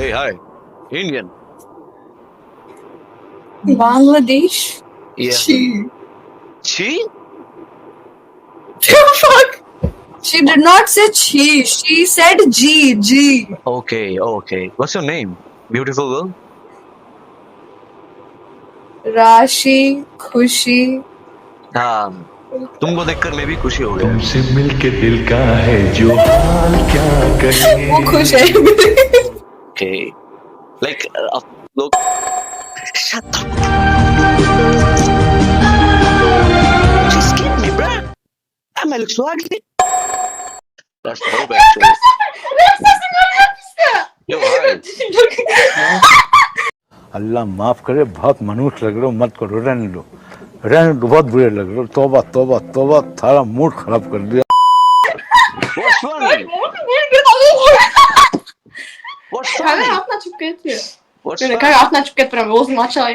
Hey, hi. Indian. Bangladesh? Yeah. She. Chi? Fuck! She did not say she. She said G. G. Okay, okay. What's your name? Beautiful girl? Rashi, Khushi. हाँ, तुमको देखकर मैं भी खुशी हो गया। तुमसे मिलके दिल का है जो हाल क्या वो खुश है। Okay. Like, लोग Shut up. Just skip me, bruh. I'm Alex Wagner. That's dope, actually. Yo, hi. अल्लाह माफ करे, बहुत मनुष्य लग रहे हो, मत करो, रहने दो, बहुत बुरे लग रहे हो। तौबा तौबा तौबा, सारा मूड खराब कर दिया। What's funny? What's Cara, funny? afna çıkıyor. What's Böyle funny? cara afna çıkıyor para mı? Olsun aşağıya.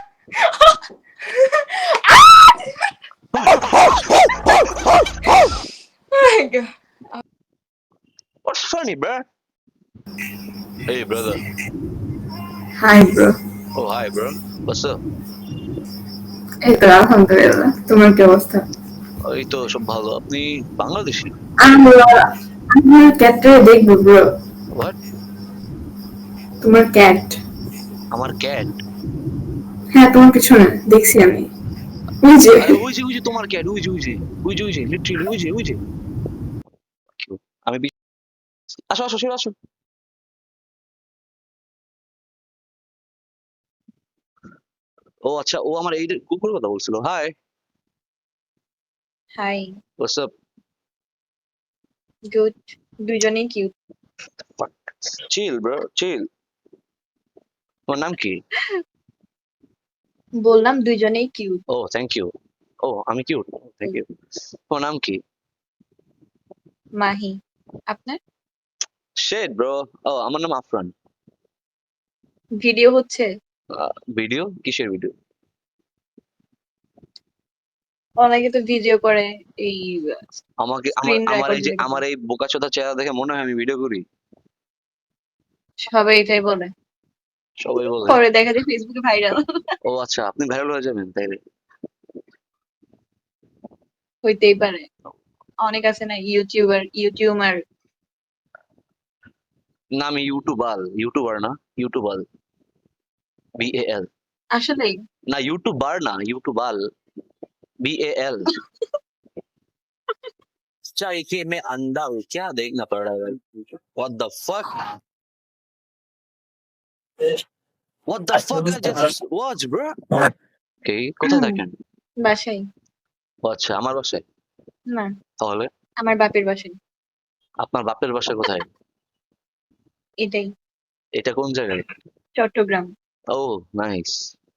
What's funny, bruh? Hey, brother. Hi bro. Oh, hi, bro. What's up? এই তো আলহামদুলিল্লাহ, তোমার কি অবস্থা? এই তো সব ভালো। আপনি বাংলাদেশী? আমার ক্যাটটা দেখবো ব্রো। What? তোমার ক্যাট। আমার ক্যাট? হ্যাঁ তোমার পিছনে দেখছি আমি। ওই যে আরে ওই যে তোমার ক্যাট, ওই যে লিটারালি ওই যে আমি আসো আসো সরে আসো। ও আচ্ছা, ও আমার এই কুকুরের কথা বলছিল। Hi, Hi. What's up? Good. দুজনেই কিউট। Chill bro, chill. তোমার নাম কি? বললাম দুজনেই কিউট। ও থ্যাংক ইউ। ও আমি কিউট, থ্যাংক ইউ। তোমার নাম কি? মাহি। আপনার? Shade bro. ও আমার নাম আফরান। ভিডিও হচ্ছে? ভিডিও? কিসের ভিডিও? অনেকে তো ভিডিও করে এই আমাকে স্ক্রিন আমার এই যে রেকর্ডিং। আমার এই বোকাচোদা চেহারা দেখে মনে হয় আমি ভিডিও করি? সবাই এটাই বলে। সবাই বলে? পরে দেখা যায় ফেসবুকে ভাইরাল। ও আচ্ছা, আপনি ভাইরাল হয়ে যাবেন তাইলে? হইতেই পারে। অনেক আছে না ইউটিউবার। না আমি ইউটিউবার না, ইউটিউবাল। BAL। আসলেই না यूट्यूबर ना, यूट्यूबाल। BAL। चाय के मैं अंधा हूँ, क्या देखना पड़ रहा है? What the fuck? What the fuck I just watch, bro? Okay, কোথায় থাকেন? বাসায়। ও আচ্ছা, আমার বাসায়। না, তাহলে আমার বাপের বাসায়। আপনার বাপের বাসা কোথায়? এটাই এটা কোন জায়গায়? চট্টগ্রাম। ও নাইস।